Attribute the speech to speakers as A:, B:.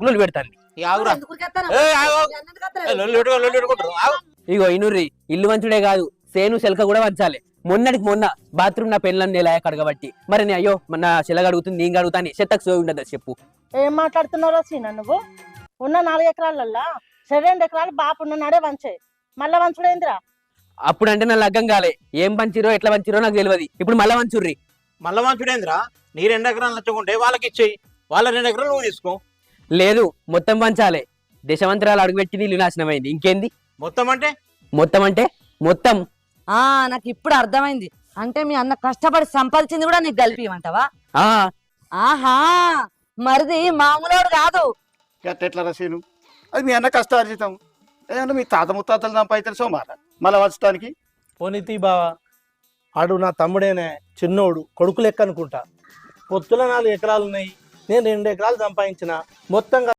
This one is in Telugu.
A: లొల్లి పెడతాంది. ఇగో ఇనుర్రి ఇల్లు వంచుడే కాదు సేను శెలక కూడా వంచాలి. మొన్నటికి మొన్న బాత్రూమ్ నా పెళ్ళని నేలాయ కడగబట్టి మరి అయ్యో నా శిలగ అడుగుతుంది నేను అడుగుతాను చెత్తకు సోయి ఉండదు చెప్పు.
B: ఏం మాట్లాడుతున్నారో సీనా నువ్వు? ఉన్న 4 ఎకరాలల్లా 2 ఎకరాలు బాపు ఉన్నాడే వంచాయి, మళ్ళా వంచుడేంద్రా?
A: అప్పుడంటే నా లగ్గం కాలే, ఏం పంచిరో ఎట్లా పంచిరో నాకు తెలియదు. ఇప్పుడు మళ్ళా వంచుర్రి.
C: మళ్ళా వంచుడేంద్రా? నీ 2 ఎకరాలు నచ్చుకుంటే వాళ్ళకి ఇచ్చేయి, వాళ్ళ 2 ఎకరాలు నువ్వు తీసుకో.
A: లేదు మొత్తం పంచాలే. దశమంతరాలు అడుగుపెట్టి నీళ్ళు నాశనమైంది. ఇంకేంది
C: మొత్తం అంటే?
A: మొత్తం అంటే మొత్తం.
D: నాకు ఇప్పుడు అర్థమైంది. అంటే మీ అన్న కష్టపడి సంపాదించింది కూడా నీకు కలిపియమంటావా? ఆహా, మరిది మామూలోడు కాదు.
E: ఎట్లా రసీను? అది మీ అన్న కష్టార్జితం. ఏమన్నా మీ తాత ముత్తాతలు సంపాదించారు సోమార మళ్ళీ వచ్చటానికి.
F: పోనీతి బావా, ఆడు నా తమ్ముడేనే, చిన్నోడు, కొడుకు లెక్క అనుకుంటా. పొత్తుల 4 ఎకరాలు ఉన్నాయి, నేను 2 ఎకరాలు సంపాదించిన. మొత్తంగా